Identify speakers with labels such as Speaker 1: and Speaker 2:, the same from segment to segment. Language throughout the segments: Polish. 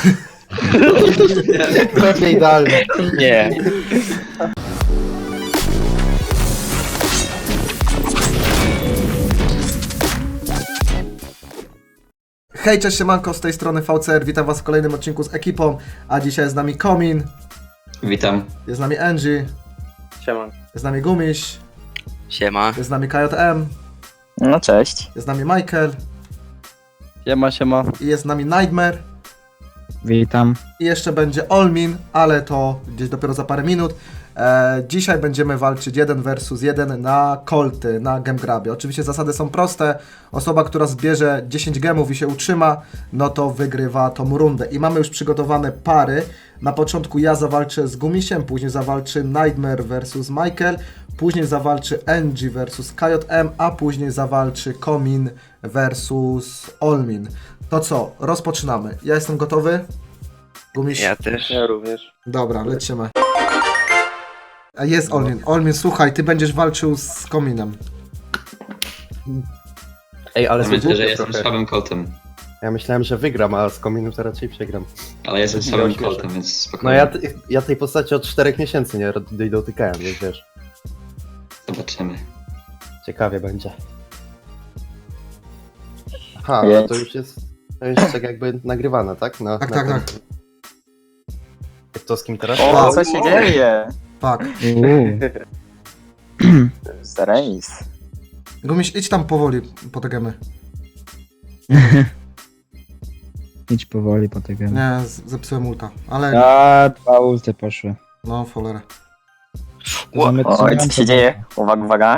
Speaker 1: Pewnie idealne.
Speaker 2: Nie.
Speaker 3: Hej, cześć, siemanko, z tej strony VCR, witam was w kolejnym odcinku z ekipą, a dzisiaj jest z nami Komin,
Speaker 4: Witam.
Speaker 3: jest z nami Angie,
Speaker 2: Siema.
Speaker 3: jest z nami Gumiś,
Speaker 2: Siema.
Speaker 3: jest z nami KJM,
Speaker 5: No cześć.
Speaker 3: jest z nami Michael
Speaker 1: Siema.
Speaker 3: i jest z nami Nightmare
Speaker 6: Witam.
Speaker 3: i jeszcze będzie Olmin, ale to gdzieś dopiero za parę minut. Dzisiaj będziemy walczyć 1 versus 1 na kolty, na gemgrabie. Oczywiście zasady są proste. Osoba, która zbierze 10 gemów i się utrzyma, no to wygrywa tą rundę. I mamy już przygotowane pary. Na początku ja zawalczę z Gumisiem, później zawalczy Nightmare versus Michael, później zawalczy Angie versus KJM, a później zawalczy Komin versus Olmin. To co? Rozpoczynamy. Ja jestem gotowy. Gumiś?
Speaker 2: Ja też.
Speaker 1: Ja również.
Speaker 3: Dobra, lecimy. A jest Olmin. Olmin, słuchaj, ty będziesz walczył z Kominem.
Speaker 1: Ej, ale
Speaker 4: Ja myślę, że
Speaker 1: zgubię
Speaker 4: jestem
Speaker 1: trochę.
Speaker 4: słabym kotem.
Speaker 1: Ja myślałem, że wygram, a z kominu to raczej przegram.
Speaker 4: Ale jestem
Speaker 1: Ja
Speaker 4: słabym
Speaker 1: śmieszę.
Speaker 4: kotem, więc
Speaker 1: No
Speaker 4: spokojnie.
Speaker 1: ja tej postaci od 4 miesięcy nie dotykałem, więc wiesz.
Speaker 4: Zobaczymy.
Speaker 1: Ciekawie będzie. Aha,
Speaker 5: Więc-
Speaker 1: ale to już tak jakby nagrywane, tak?
Speaker 3: Tak, tak, tak.
Speaker 1: To z kim teraz?
Speaker 5: O, co się dzieje?
Speaker 3: Tak.
Speaker 5: Remis.
Speaker 3: Gumiś, idź tam powoli po te gemy.
Speaker 6: Idź powoli po tego.
Speaker 3: Nie, zepsułem ulta. Ale,
Speaker 6: A, dwa ulty poszły.
Speaker 3: no, cholera.
Speaker 5: Oj, co się dzieje? Uwaga, uwaga.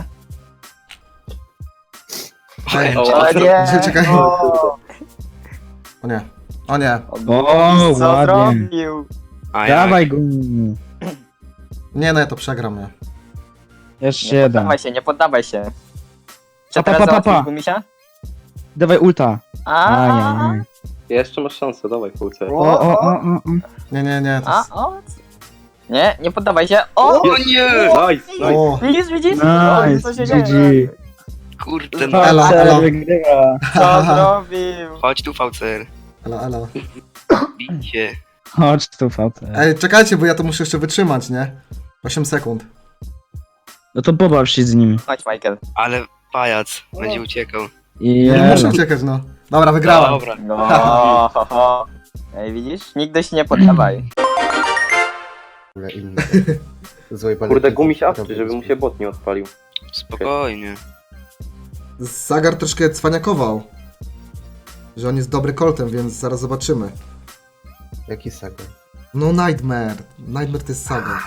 Speaker 3: Ej,
Speaker 5: O nie!
Speaker 3: Czekaj.
Speaker 5: O,
Speaker 3: O nie. O nie.
Speaker 6: O,
Speaker 5: co
Speaker 6: ładnie.
Speaker 5: zrobił?
Speaker 2: A ja.
Speaker 6: Dawaj go.
Speaker 3: Nie, no ja to przegram, nie.
Speaker 6: Jeszcze
Speaker 5: Nie
Speaker 6: jeden.
Speaker 5: poddawaj się, nie poddawaj się. Czy
Speaker 6: Pa, pa,
Speaker 5: teraz
Speaker 6: pa, pa,
Speaker 5: załatwisz
Speaker 6: pa.
Speaker 5: Gumisia?
Speaker 6: Dawaj ulta.
Speaker 5: A,
Speaker 6: Ajajaj.
Speaker 7: Jeszcze masz szansę, dawaj Fulce.
Speaker 6: O.
Speaker 3: Nie, to
Speaker 5: a,
Speaker 3: jest...
Speaker 5: o. Nie poddawaj się. O!
Speaker 2: O nie!
Speaker 7: Nice.
Speaker 3: O,
Speaker 5: Widzisz? O, co się
Speaker 6: Nice,
Speaker 5: dzieje?
Speaker 6: GG.
Speaker 2: Kurde, no.
Speaker 3: Elo, elo.
Speaker 6: Wygrywa.
Speaker 5: Co zrobił?
Speaker 2: Chodź tu, VCR.
Speaker 3: elo.
Speaker 2: Bicie.
Speaker 6: Chodź tu, VC.
Speaker 3: Ej, czekajcie, bo ja to muszę jeszcze wytrzymać, nie? 8 sekund.
Speaker 6: No to pobaw się z nim.
Speaker 5: Chodź, Michael.
Speaker 2: Ale pajac będzie uciekał.
Speaker 6: I
Speaker 3: Nie muszę uciekać, no. Dobra, wygrałem.
Speaker 2: Dobra.
Speaker 5: No, ho, ho. Ej, widzisz? Nigdy się nie poddawaj.
Speaker 1: Inny. Złej
Speaker 7: Kurde, gumiś awczy, żeby mu się bot nie odpalił.
Speaker 2: Spokojnie.
Speaker 3: Zagar troszkę cwaniakował. Że on jest dobry koltem, więc zaraz zobaczymy.
Speaker 1: Jaki saga?
Speaker 3: No Nightmare. Nightmare to jest Sagar.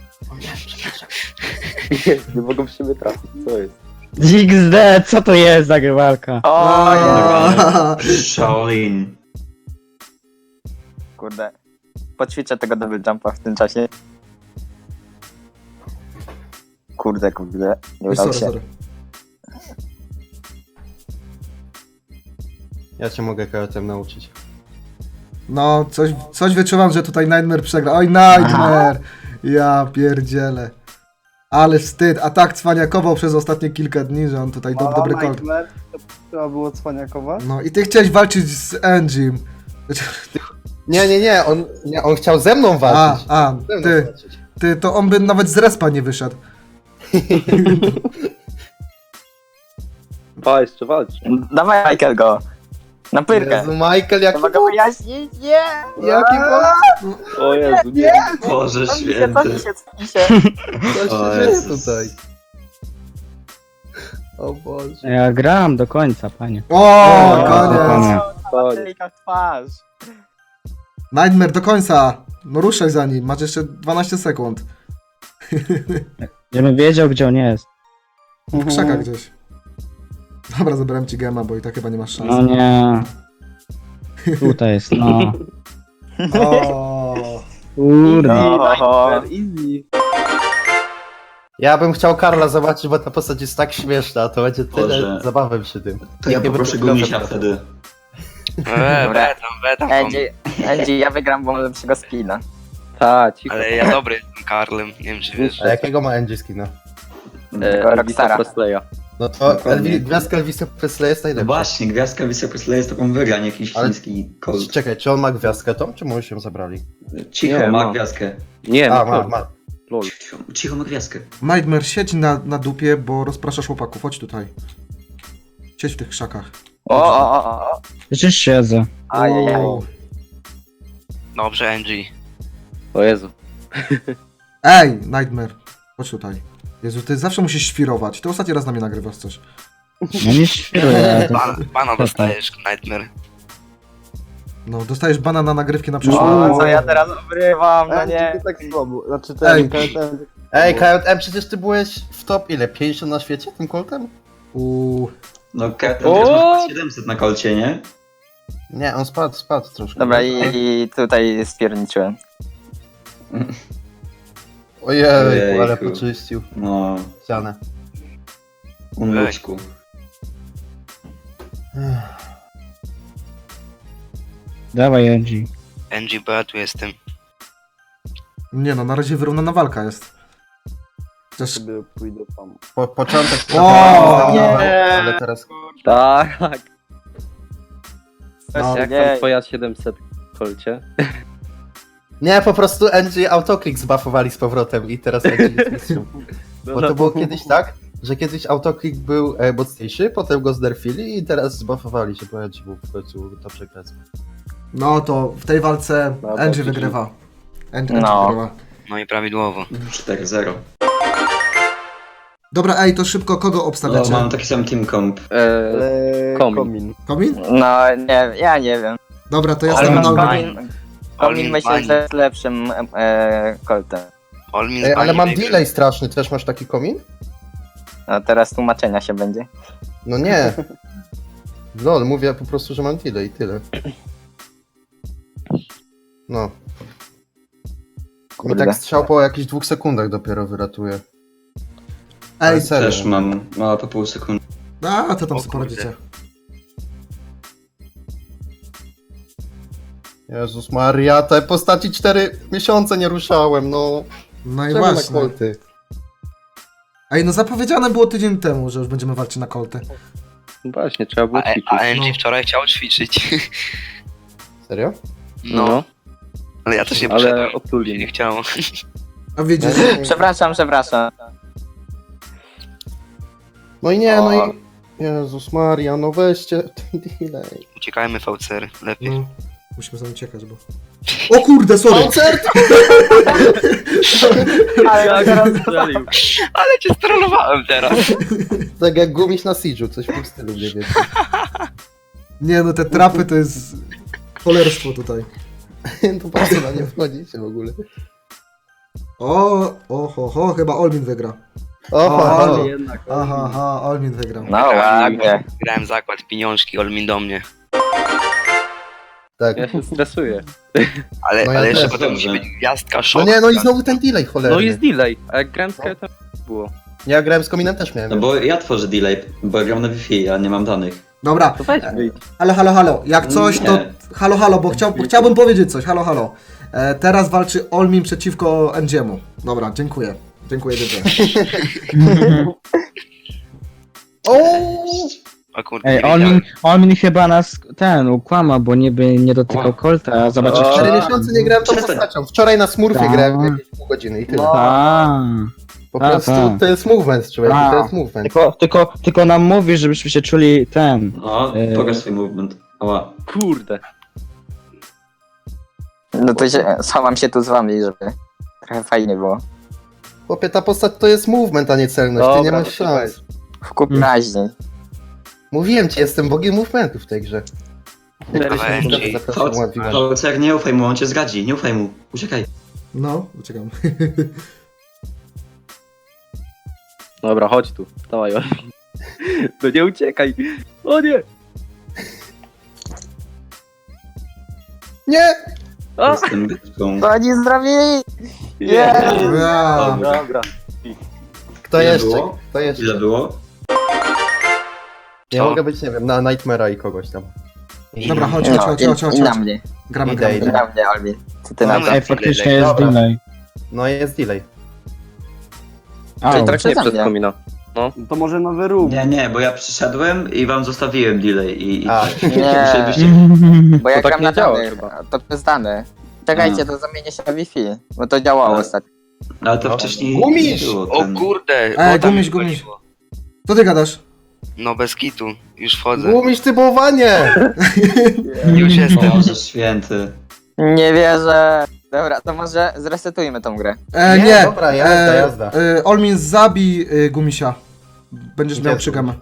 Speaker 7: Nie mogą w siebie trafić, co jest?
Speaker 6: XD, co to jest za grywalka?
Speaker 5: O, nie.
Speaker 4: Shaolin.
Speaker 5: Kurde. Poćwiczę tego double jumpa w tym czasie. Kurde. Nie
Speaker 3: Oj,
Speaker 5: udało
Speaker 3: sorry,
Speaker 5: się.
Speaker 3: sorry.
Speaker 1: Ja cię mogę KTM nauczyć.
Speaker 3: No, coś wyczuwam, że tutaj Nightmare przegra. Oj, Nightmare! Ja pierdzielę. Ale wstyd, a tak cwaniakował przez ostatnie kilka dni, że on tutaj dobry kolt.
Speaker 8: Trzeba było cwaniakować?
Speaker 3: No i ty chciałeś walczyć z Angiem.
Speaker 1: Nie, on chciał ze mną walczyć. Ze mną
Speaker 3: ty,
Speaker 1: walczyć.
Speaker 3: to on by nawet z respa nie wyszedł.
Speaker 7: Pa, jeszcze walcz.
Speaker 5: Dawaj, Michael, go. Na pyrkę.
Speaker 1: Jezu, Michael, jaki
Speaker 5: Trzeba go wyjaśnić. Nie!
Speaker 1: Jaki
Speaker 7: O Jezu, nie.
Speaker 4: Boże
Speaker 5: Cofnij
Speaker 4: święty.
Speaker 5: cofnij się.
Speaker 1: Co
Speaker 4: O
Speaker 1: się dzieje
Speaker 4: Jezus.
Speaker 1: tutaj? O Boże.
Speaker 6: Ja gram do końca, panie.
Speaker 3: O, koniec.
Speaker 6: Koniec.
Speaker 5: Patryka w twarz.
Speaker 3: Nightmare do końca. No ruszaj za nim, masz jeszcze 12 sekund.
Speaker 6: Żebym wiedział, gdzie on jest.
Speaker 3: W krzakach gdzieś. Dobra, zabrałem ci gema, bo i tak chyba nie masz szans.
Speaker 6: No nie. Tutaj jest, no.
Speaker 3: O,
Speaker 6: Kurde.
Speaker 5: No,
Speaker 1: Ja bym chciał Karla zobaczyć, bo ta postać jest tak śmieszna, to będzie tyle
Speaker 4: Boże.
Speaker 1: zabawy przy tym.
Speaker 4: To ja
Speaker 1: Nie
Speaker 4: poproszę
Speaker 1: będę
Speaker 4: gumisia
Speaker 1: grał.
Speaker 4: wtedy.
Speaker 5: Dobra.
Speaker 2: Betam.
Speaker 5: Angie, ja wygram, bo mam lepszego skina.
Speaker 7: Ta, cicho.
Speaker 2: Ale ja dobry jestem Karlem. Nie wiem, czy wiesz.
Speaker 1: A jakiego ma Angie skina?
Speaker 5: Rockstara.
Speaker 7: Crossplaya.
Speaker 1: No to
Speaker 4: Dokładnie.
Speaker 1: gwiazdka Elvisa Presleya jest
Speaker 4: No
Speaker 1: najlepsza.
Speaker 4: właśnie, gwiazdka Elvisa Presleya jest taką wygrań, jakiś
Speaker 1: Ale-
Speaker 4: chiński Colt.
Speaker 1: Czekaj, czy on ma gwiazdkę tą, czy mu już ją zabrali?
Speaker 4: Cicho,
Speaker 7: Nie,
Speaker 4: ma
Speaker 7: ma.
Speaker 4: gwiazdkę.
Speaker 7: Nie,
Speaker 1: A,
Speaker 7: ma.
Speaker 1: ma.
Speaker 7: Lol.
Speaker 4: Cicho, ma gwiazdkę.
Speaker 3: Nightmare, siedź na dupie, bo rozpraszasz chłopaków. Chodź tutaj. Siedź w tych krzakach.
Speaker 5: O.
Speaker 6: Przecież siedzę.
Speaker 5: Ajajaj.
Speaker 3: O.
Speaker 2: Dobrze, Angie.
Speaker 7: O Jezu.
Speaker 3: Ej, Nightmare, chodź tutaj. Jezu, ty zawsze musisz świrować. Ty ostatni raz na mnie nagrywasz coś.
Speaker 6: No nie świruję.
Speaker 2: Pana dostajesz, Nightmare.
Speaker 3: No, dostajesz bana na nagrywki na przyszłość.
Speaker 5: O, co ja teraz obrywam, no
Speaker 8: Nie,
Speaker 5: nie.
Speaker 8: tak słabo. Znaczy
Speaker 3: Ej.
Speaker 8: ten
Speaker 1: Ej, KM, przecież ty byłeś w top ile? 50 na świecie tym koltem?
Speaker 4: No, teraz
Speaker 7: O!
Speaker 4: masz 700 na kolcie, nie?
Speaker 1: Nie, on spadł troszkę.
Speaker 5: Dobra, i tutaj spierniczyłem.
Speaker 1: Ojej, ale
Speaker 4: Ojejku.
Speaker 1: poczyścił
Speaker 4: No,
Speaker 1: ścianę.
Speaker 4: umyczku.
Speaker 6: Dawaj, Angie.
Speaker 2: Angie, bo ja tu jestem.
Speaker 3: Nie no, na razie wyrównana walka jest. Chociaż...
Speaker 8: sobie pójdę tam.
Speaker 1: Początek
Speaker 3: O,
Speaker 1: nie. Ale teraz...
Speaker 7: Tak.
Speaker 3: No,
Speaker 7: Jak
Speaker 5: nie.
Speaker 7: tam twoja 700 kolcie?
Speaker 1: Nie, po prostu Angie autoclick zbuffowali z powrotem i teraz Angie jest mistrzem. Bo to było kiedyś tak, że kiedyś autoclick był mocniejszy, potem go znerfili i teraz zbuffowali się, bo Angie był w końcu to przegrać.
Speaker 3: No to w tej walce
Speaker 7: No,
Speaker 3: Angie
Speaker 7: to
Speaker 3: wygrywa. Angie
Speaker 5: No.
Speaker 3: wygrywa.
Speaker 2: No i prawidłowo.
Speaker 4: 4-0.
Speaker 3: Dobra, ej, to szybko kogo
Speaker 4: No,
Speaker 3: obstawiacie?
Speaker 4: mam taki sam team comp.
Speaker 7: Komin.
Speaker 3: Komin?
Speaker 5: No, nie, ja nie wiem.
Speaker 3: Dobra, to ja
Speaker 2: Ale
Speaker 3: stawiam
Speaker 2: masz
Speaker 3: na
Speaker 2: bani.
Speaker 3: Olmin.
Speaker 5: Komin myślę, że jest lepszym koltem.
Speaker 2: Olmin
Speaker 1: Ej, ale mam
Speaker 2: zbani
Speaker 1: delay straszny, też masz taki komin?
Speaker 5: No teraz tłumaczenia się będzie.
Speaker 1: No nie. Lol, mówię po prostu, że mam delay i tyle. No. Mi
Speaker 5: Kurde.
Speaker 1: tak strzał po jakichś 2 sekundach dopiero wyratuje.
Speaker 3: Ej,
Speaker 1: serio.
Speaker 4: Też mam, mała po pół sekundy.
Speaker 3: a to tam
Speaker 2: O
Speaker 3: sobie
Speaker 2: kurde.
Speaker 3: poradzicie.
Speaker 1: Jezus Maria, te postaci 4 miesiące nie ruszałem, no.
Speaker 3: No i
Speaker 1: Czemu na
Speaker 3: właśnie.
Speaker 1: kolty?
Speaker 3: Ej, no zapowiedziane było tydzień temu, że już będziemy walczyć na kolty.
Speaker 7: Właśnie, trzeba było
Speaker 2: A
Speaker 7: ćwiczyć.
Speaker 2: Angie
Speaker 3: No.
Speaker 2: wczoraj chciał ćwiczyć.
Speaker 1: Serio?
Speaker 2: No. Ale ja też nie
Speaker 7: Ale
Speaker 2: poszedłem. Nie
Speaker 7: otuli.
Speaker 2: chciało.
Speaker 3: A wiecie,
Speaker 5: Przepraszam.
Speaker 1: No i nie, no
Speaker 5: O.
Speaker 1: i... Jezus Maria, no weźcie ten delay.
Speaker 2: Uciekajmy VCR, lepiej.
Speaker 3: no, musimy sobie uciekać, bo... O kurde, sorry!
Speaker 1: Koncert!
Speaker 5: Ale teraz
Speaker 2: Ale cię strollowałem teraz.
Speaker 1: Tak jak gumiś na Siege'u, coś w tym stylu, nie wiem.
Speaker 3: Nie no, te trapy to jest... cholerstwo tutaj.
Speaker 1: To po co na nie wchodzicie w ogóle?
Speaker 3: Ho, chyba Olmin wygra.
Speaker 1: O,
Speaker 7: jednak.
Speaker 3: Aha, Olmin wygrał.
Speaker 5: No ładnie.
Speaker 2: Grałem zakład, pieniążki, Olmin do mnie.
Speaker 1: tak.
Speaker 7: Ja się stresuję.
Speaker 2: Ale,
Speaker 1: No ja
Speaker 2: ale jeszcze
Speaker 1: też,
Speaker 2: potem
Speaker 4: dobrze.
Speaker 2: musi być gwiazdka,
Speaker 1: No
Speaker 2: szok.
Speaker 1: nie, no i znowu ten delay cholerny.
Speaker 7: No jest delay, a jak grałem z Kajtem było.
Speaker 1: Ja grałem z kominem też miałem.
Speaker 4: No bo ja tworzę delay, bo ja gram na Wi-Fi, a nie mam danych.
Speaker 3: Dobra,
Speaker 7: To weź wyjdź.
Speaker 3: halo, jak coś to...
Speaker 4: Nie.
Speaker 3: Halo, bo chciałbym powiedzieć coś, halo. Teraz walczy Olmin przeciwko Endziemu. Dobra, dziękuję. Dziękuję, dziękuję.
Speaker 1: O!
Speaker 2: O kurde,
Speaker 6: Ej,
Speaker 2: nie wiedziałem.
Speaker 6: Olmin chyba nas ukłamał, bo niby nie dotykał
Speaker 4: O.
Speaker 6: kolta, a zobaczyć
Speaker 7: O.
Speaker 1: 4 miesiące nie grałem tą
Speaker 4: Przestań.
Speaker 1: postacią. Wczoraj na Smurfie
Speaker 6: Tak.
Speaker 1: grałem jakieś pół godziny i tyle. Po
Speaker 6: tak,
Speaker 1: prostu
Speaker 6: tak.
Speaker 1: to jest movement, człowieku,
Speaker 6: Tak.
Speaker 1: to jest movement.
Speaker 6: Tylko nam mówisz, żebyśmy się czuli
Speaker 4: No, pokaż swój movement. Ała.
Speaker 7: Kurde.
Speaker 5: No to schowam się tu z wami, żeby trochę fajnie było.
Speaker 1: Chłopie, ta postać to jest movement, a nie celność, ty nie
Speaker 7: Dobra,
Speaker 1: masz
Speaker 7: to
Speaker 1: szans.
Speaker 5: W kup raźniej.
Speaker 1: Mówiłem ci, jestem bogiem movementu w tej grze.
Speaker 2: Dawaj, Angie.
Speaker 1: Zapraszam, ładnie.
Speaker 4: Fałcer, nie ufaj mu, on cię zgadzi, nie ufaj mu. Uciekaj.
Speaker 3: No, uciekam.
Speaker 7: Dobra, chodź tu. Dawaj, Oli. No nie uciekaj. O nie!
Speaker 1: Nie!
Speaker 7: A!
Speaker 4: Jestem byczką.
Speaker 5: To oni zrobili!
Speaker 7: Yeah.
Speaker 3: Ja.
Speaker 7: Dobra.
Speaker 1: Kto
Speaker 4: Ile
Speaker 1: jeszcze?
Speaker 4: było?
Speaker 1: Kto jeszcze?
Speaker 4: Ile było?
Speaker 1: Ja
Speaker 2: Co?
Speaker 1: mogę być, nie wiem, na Nightmare'a i kogoś tam.
Speaker 3: Dobra, chodź.
Speaker 5: I na mnie.
Speaker 3: Gramy.
Speaker 1: Idę.
Speaker 5: I na mnie, Albi. Co ty
Speaker 2: No,
Speaker 5: na
Speaker 2: no.
Speaker 5: to?
Speaker 6: Ej, faktycznie jest
Speaker 1: Dobra.
Speaker 6: delay.
Speaker 1: No jest delay.
Speaker 6: Au.
Speaker 7: Czyli tak nie
Speaker 5: Przeze mnie.
Speaker 7: przez komina.
Speaker 8: To może nowy room.
Speaker 4: Nie, bo ja przyszedłem i wam zostawiłem delay i
Speaker 1: A.
Speaker 5: Nie,
Speaker 4: musielibyście...
Speaker 5: bo ja
Speaker 7: To tak
Speaker 5: gram
Speaker 7: nie
Speaker 5: na
Speaker 7: działa
Speaker 5: danych,
Speaker 7: chyba.
Speaker 5: a to jest dane. Czekajcie, to zamienię się na Wi-Fi, bo to działało
Speaker 4: Ale-
Speaker 5: ostatnio.
Speaker 4: Ale to
Speaker 1: No.
Speaker 4: wcześniej
Speaker 1: Gumisz!
Speaker 4: nie było.
Speaker 2: O
Speaker 4: ten-
Speaker 2: kurde,
Speaker 3: Ej,
Speaker 2: woda mi
Speaker 3: gumiś.
Speaker 2: wchodziło.
Speaker 3: Co ty gadasz?
Speaker 2: No bez kitu, już wchodzę.
Speaker 1: Gumisz typowanie!
Speaker 2: Już jestem.
Speaker 4: Boże święty.
Speaker 5: Nie wierzę. Dobra, to może zresetujmy tą grę.
Speaker 3: Nie.
Speaker 1: Dobra, jazda.
Speaker 3: Olmin, zabij Gumisia. Będziesz
Speaker 1: Gdzie
Speaker 3: miał
Speaker 1: tu?
Speaker 3: 3 gemy.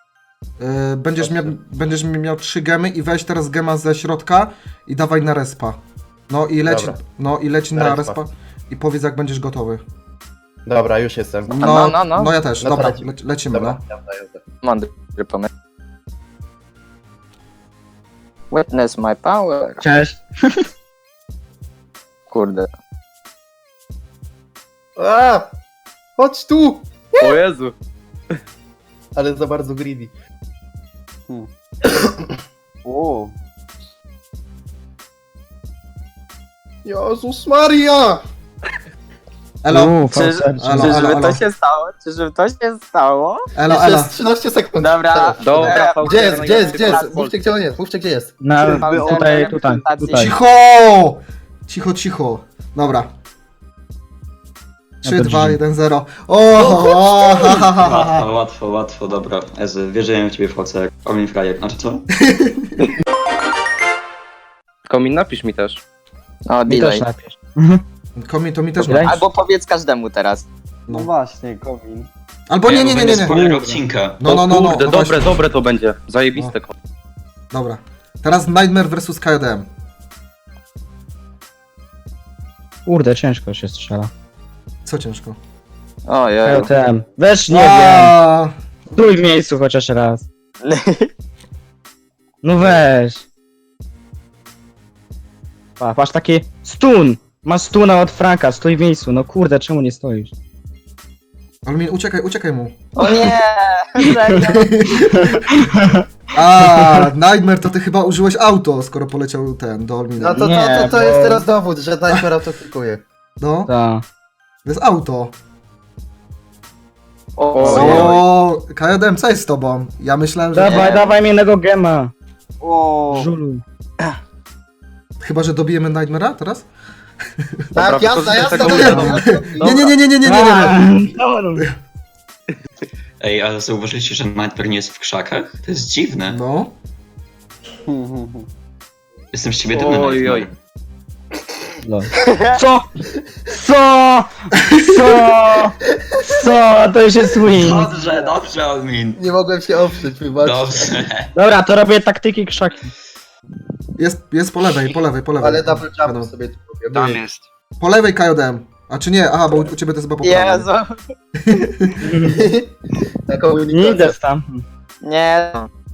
Speaker 3: Będziesz miał 3 gemy i weź teraz gema ze środka i dawaj na respa. No i leć
Speaker 1: Na
Speaker 3: na
Speaker 1: respa.
Speaker 3: respa i powiedz jak będziesz gotowy.
Speaker 1: Dobra, już jestem.
Speaker 5: No.
Speaker 3: Ja też,
Speaker 1: No to
Speaker 3: dobra,
Speaker 1: lecimy.
Speaker 3: lecimy,
Speaker 1: Dobra,
Speaker 3: no.
Speaker 1: jazda.
Speaker 5: Mądry pomysł. Witness my power.
Speaker 6: Cześć.
Speaker 5: Kurde.
Speaker 1: A! Chodź tu!
Speaker 7: O Jezu.
Speaker 1: Ale za bardzo greedy.
Speaker 8: O,
Speaker 1: Jezus Maria!
Speaker 3: Elo,
Speaker 5: Czyżby to się stało? Czyżby to się stało?
Speaker 3: elo.
Speaker 1: Jeszcze jest 13 sekund.
Speaker 5: Dobra.
Speaker 1: Teraz.
Speaker 7: Dobra,
Speaker 1: Gdzie jest, gdzie jest, gdzie jest?
Speaker 5: Patrz.
Speaker 1: Mówcie gdzie on jest, mówcie gdzie jest.
Speaker 6: Tutaj.
Speaker 3: Cicho. Dobra. 3,
Speaker 6: Ja to
Speaker 3: 2,
Speaker 6: brzmi.
Speaker 3: 1, 0. O, ha, ha, ha, ha.
Speaker 4: Łatwo, dobra. Ezy, wierzyłem w ciebie w Holce, jak Olmin Frajer. Znaczy co?
Speaker 7: Komin, napisz mi też.
Speaker 5: O,
Speaker 6: Mi
Speaker 5: delay.
Speaker 6: też napisz.
Speaker 3: Komi, to mi też
Speaker 6: Delay?
Speaker 3: ma.
Speaker 5: Albo powiedz każdemu teraz.
Speaker 8: no właśnie, komin.
Speaker 3: Albo nie.
Speaker 4: Będzie spoiler odcinka.
Speaker 3: No,
Speaker 7: Kurde,
Speaker 3: właśnie.
Speaker 7: dobre to będzie. Zajebiste.
Speaker 3: Dobra. Teraz Nightmare vs KDM.
Speaker 6: Kurde, ciężko się strzela.
Speaker 3: Co ciężko?
Speaker 5: Ojej.
Speaker 6: LTM. Weź, nie wiem.
Speaker 3: A,
Speaker 6: Stój w miejscu chociaż raz. No weź. Patrz taki stun. Masz stuna od Franka, stój w miejscu. No kurde, czemu nie stoisz?
Speaker 3: Olmin, uciekaj mu.
Speaker 5: O nie! Serio?
Speaker 3: A, Nightmare, to ty chyba użyłeś auto, skoro poleciał ten do Olmina.
Speaker 1: No to
Speaker 6: Nie,
Speaker 1: to jest
Speaker 6: bo-
Speaker 1: teraz dowód, że Nightmare autoklikuje.
Speaker 3: No,
Speaker 6: Ta.
Speaker 3: to jest auto.
Speaker 5: O,
Speaker 3: O, KDM, co jest z tobą? Ja myślałem, że...
Speaker 6: Dawaj mi innego gema.
Speaker 8: O,
Speaker 6: Żuluj.
Speaker 3: Chyba, że dobijemy Nightmare'a teraz?
Speaker 1: Tak, jazda, jazda,
Speaker 7: tego
Speaker 1: jazda.
Speaker 3: Nie.
Speaker 4: Ej, ale zauważyliście, że Nightmare nie jest w krzakach? To jest dziwne.
Speaker 3: No.
Speaker 4: Jestem z ciebie dumny,
Speaker 7: Oj,
Speaker 4: Nightmare.
Speaker 6: Lol. Co? Co? To już jest win.
Speaker 4: Dobrze, Olmin.
Speaker 1: Nie mogłem się oprzeć, wybaczcie.
Speaker 4: Dobrze.
Speaker 6: Dobra, to robię taktyki krzaki.
Speaker 3: Jest po lewej.
Speaker 1: Ale double jump
Speaker 3: Wiadomo.
Speaker 1: sobie tu robię.
Speaker 2: Tam jest.
Speaker 3: Po lewej KDM. A czy nie? Aha, bo u ciebie to jest chyba po prawej.
Speaker 5: Jezu.
Speaker 1: Na
Speaker 6: Nie
Speaker 1: komunikacji.
Speaker 6: idę tam.
Speaker 5: Nie.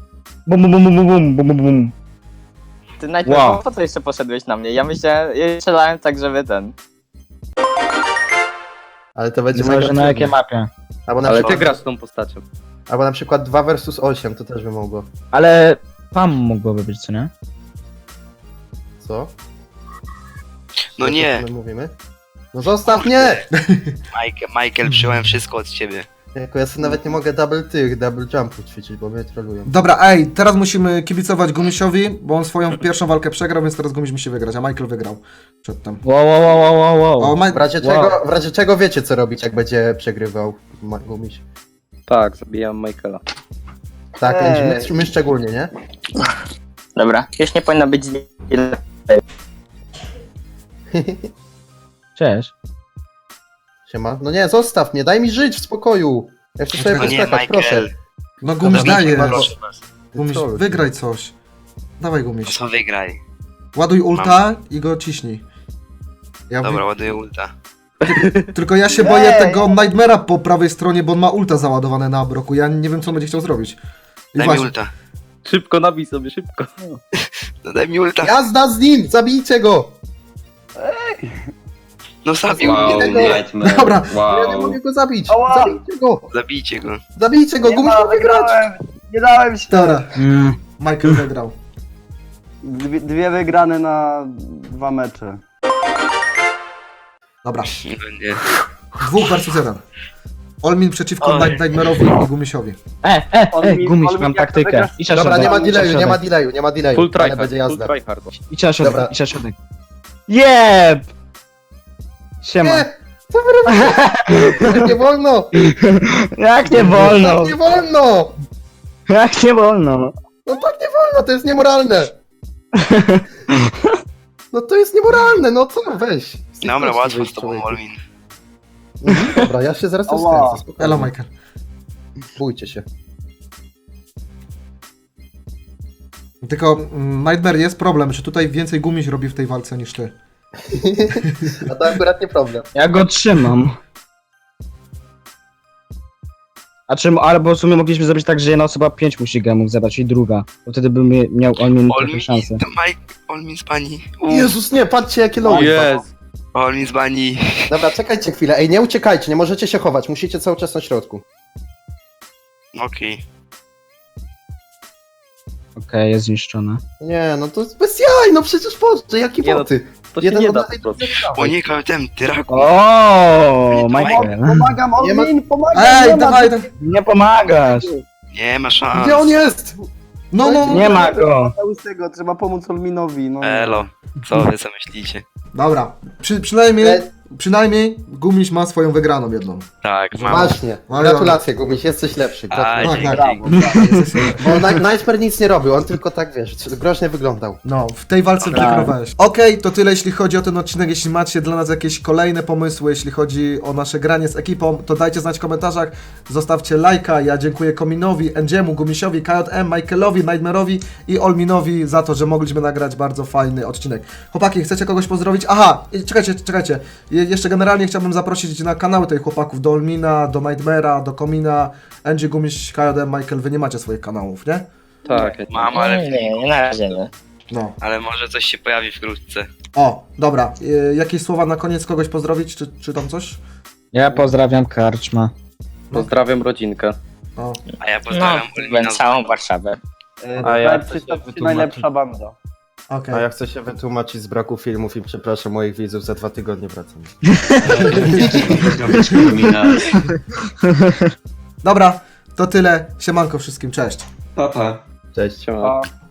Speaker 6: Bum.
Speaker 5: Ty najpierw
Speaker 6: Wow.
Speaker 5: po co jeszcze poszedłeś na mnie? Ja strzelałem tak, żeby ten...
Speaker 1: Ale to będzie
Speaker 6: Zależy
Speaker 1: mega
Speaker 6: na jakiej
Speaker 1: trudne.
Speaker 6: mapie.
Speaker 1: Albo na,
Speaker 7: Ale
Speaker 1: przykład,
Speaker 7: ty grasz tą postacią.
Speaker 1: albo na przykład 2 versus 8, to też by mogło.
Speaker 6: Ale PAM mogłoby być, co nie?
Speaker 1: Co?
Speaker 2: No
Speaker 1: O
Speaker 2: nie,
Speaker 1: czym my mówimy? No zostaw mnie!
Speaker 2: Michael, przyjąłem wszystko od ciebie.
Speaker 1: Jako ja sobie nawet nie mogę double jumpów ćwiczyć, bo mnie trolują.
Speaker 3: Dobra, ej, teraz musimy kibicować Gumisiowi, bo on swoją pierwszą walkę przegrał, więc teraz Gumiś musi wygrać, a Michael wygrał przedtem.
Speaker 6: Wow.
Speaker 3: O,
Speaker 1: W razie czego wiecie co robić, jak będzie przegrywał Gumiś.
Speaker 7: Tak, zabijam Michaela.
Speaker 1: Tak,
Speaker 8: Ej.
Speaker 1: my szczególnie, nie?
Speaker 5: Dobra, już nie powinno być delay.
Speaker 6: Cześć.
Speaker 1: Siema. No nie, zostaw mnie, daj mi żyć w spokoju. Ja chcę sobie
Speaker 2: No nie,
Speaker 1: poskakać, proszę.
Speaker 2: Michael.
Speaker 3: No Gumiś
Speaker 1: Dobra,
Speaker 3: daje.
Speaker 2: Proszę was.
Speaker 3: Gumiś,
Speaker 1: Trolluj.
Speaker 3: wygraj coś. Dawaj
Speaker 2: No
Speaker 3: Gumiś.
Speaker 2: co wygraj?
Speaker 3: Ładuj ulta i go ciśnij. Ja
Speaker 2: Dobra, ładuję ulta.
Speaker 3: Tylko ja się boję tego Nightmare'a po prawej stronie, bo on ma ulta załadowane na broku. Ja nie wiem, co on będzie chciał zrobić. I
Speaker 2: Daj mi
Speaker 3: właśnie,
Speaker 2: ulta.
Speaker 7: Szybko nabij sobie, szybko.
Speaker 2: No daj mi ulta.
Speaker 1: Jazda z nim! Zabijcie go!
Speaker 2: No zabił
Speaker 4: Wow,
Speaker 2: mnie.
Speaker 4: Nightmare.
Speaker 3: Dobra.
Speaker 1: Ja nie
Speaker 4: Wow.
Speaker 1: mogę go zabić!
Speaker 8: Ała!
Speaker 1: Zabijcie go!
Speaker 2: Zabijcie go.
Speaker 1: Zabijcie go! Gumiś ma wygrać!
Speaker 8: Nie dałem się.
Speaker 3: Dobra, Michael wygrał.
Speaker 8: Dwie wygrane na 2 mecze.
Speaker 3: Dobra,
Speaker 2: Nie będzie.
Speaker 3: 2 versus 1. Olmin przeciwko
Speaker 2: Oj.
Speaker 3: Nightmare'owi i Gumisiowi.
Speaker 6: Gumiś,
Speaker 8: Olmin,
Speaker 6: mam
Speaker 8: jak
Speaker 6: taktykę.
Speaker 8: wygrasz-
Speaker 6: Idź na
Speaker 1: Dobra,
Speaker 6: środek,
Speaker 1: nie ma
Speaker 6: idź na
Speaker 1: delayu, nie ma
Speaker 6: środek.
Speaker 1: delayu, nie ma delayu.
Speaker 7: Full
Speaker 1: Ale
Speaker 7: tryhard,
Speaker 1: będzie
Speaker 7: full
Speaker 1: jazda.
Speaker 7: tryhard.
Speaker 6: Idź na środek,
Speaker 1: Dobra.
Speaker 6: idź na środek. Jeb! Siema.
Speaker 1: Nie! Co wy robicie? Tak nie wolno!
Speaker 6: Jak nie wolno?
Speaker 1: Tak nie wolno!
Speaker 6: Jak nie wolno?
Speaker 1: No tak nie wolno, to jest niemoralne! No to jest niemoralne, no co? Weź. Z tych
Speaker 2: Dobra,
Speaker 1: kości
Speaker 2: łatwo
Speaker 1: wyjdź,
Speaker 2: z tobą,
Speaker 1: człowieku.
Speaker 2: Olmin.
Speaker 1: Dobra, ja się zaraz
Speaker 8: Ała.
Speaker 1: rozkręcę, spokojnie.
Speaker 3: Elo, Michael.
Speaker 1: Bójcie się.
Speaker 3: Tylko Nightmare, jest problem, że tutaj więcej Gumiś robi w tej walce niż ty.
Speaker 1: A to akurat nie problem.
Speaker 6: Ja go trzymam. A czym, albo w sumie mogliśmy zrobić tak, że jedna osoba 5 musi gemów zebrać i druga. Bo wtedy by miał Olmin trochę
Speaker 2: Olmin,
Speaker 6: szansę.
Speaker 2: to Mike, Olmin z bani.
Speaker 1: Jezus, nie, patrzcie jakie
Speaker 7: O
Speaker 1: logi.
Speaker 7: jest!
Speaker 2: Olmin z bani.
Speaker 1: Dobra, czekajcie chwilę. Ej, nie uciekajcie, nie możecie się chować, musicie cały czas na środku.
Speaker 2: Okej.
Speaker 6: Okej, jest zniszczone.
Speaker 1: Nie, no to jest bez jaj, no przecież Boże, jakie
Speaker 7: Nie, no,
Speaker 1: boty.
Speaker 7: To się
Speaker 1: Jeden
Speaker 7: nie
Speaker 1: od
Speaker 7: da
Speaker 1: lewej,
Speaker 7: po prostu.
Speaker 1: drugi od
Speaker 2: O
Speaker 1: prawej.
Speaker 2: nie, KTM, tyraku.
Speaker 6: O, Michael.
Speaker 8: Pomagam,
Speaker 1: Nie ma-
Speaker 8: Olmin, pomagam!
Speaker 3: Ej,
Speaker 8: nie ma-
Speaker 3: dawaj, dawaj.
Speaker 6: Nie pomagasz.
Speaker 2: Nie ma szans.
Speaker 1: Gdzie on jest?
Speaker 3: No.
Speaker 6: Nie ma go.
Speaker 8: Łysego, trzeba pomóc Olminowi, no.
Speaker 2: Elo, co wy co myślicie?
Speaker 3: Dobra, przynajmniej Gumiś ma swoją wygraną jedną.
Speaker 2: Tak, mam.
Speaker 1: Właśnie, gratulacje Gumiś, jesteś lepszy.
Speaker 2: Aj,
Speaker 1: Gratulacje.
Speaker 3: tak.
Speaker 2: dzięki.
Speaker 1: Bo Nightmare nic nie robił, on tylko tak, wiesz, groźnie wyglądał.
Speaker 3: No, w tej walce przegrywałeś. Okej, to tyle jeśli chodzi o ten odcinek. Jeśli macie dla nas jakieś kolejne pomysły, jeśli chodzi o nasze granie z ekipą, to dajcie znać w komentarzach, zostawcie lajka. Ja dziękuję Kominowi, Endziemu, Gumisiowi, KJM, Michaelowi, Nightmare'owi i Olminowi za to, że mogliśmy nagrać bardzo fajny odcinek. Chłopaki, chcecie kogoś pozdrowić? Aha, czekajcie. Jeszcze generalnie chciałbym zaprosić na kanały tych chłopaków, do Olmina, do Nightmare'a, do Komina, Endzie, Gumiś, KJM, Michael. Wy nie macie swoich kanałów, nie?
Speaker 7: Tak.
Speaker 2: Mam, ale,
Speaker 5: Nie, na razie nie.
Speaker 3: No.
Speaker 2: ale może coś się pojawi wkrótce.
Speaker 3: O, dobra. Jakieś słowa na koniec kogoś pozdrowić, czy tam coś?
Speaker 6: Ja pozdrawiam Karczma.
Speaker 7: Pozdrawiam rodzinkę.
Speaker 3: O.
Speaker 2: A ja
Speaker 5: No,
Speaker 2: pozdrawiam Olmina z
Speaker 5: całą
Speaker 2: bani.
Speaker 5: Warszawę.
Speaker 1: A ja
Speaker 8: Najlepszy
Speaker 1: chcę się
Speaker 8: top 3
Speaker 1: wytłumaczyć.
Speaker 8: najlepsza banda.
Speaker 3: Okej.
Speaker 1: A ja chcę się wytłumaczyć z braku filmów i przepraszam moich widzów, za 2 tygodnie wracam.
Speaker 3: Dobra, to tyle. Siemanko wszystkim, cześć.
Speaker 4: Papa.
Speaker 1: Cześć.
Speaker 7: Siema.
Speaker 8: Pa.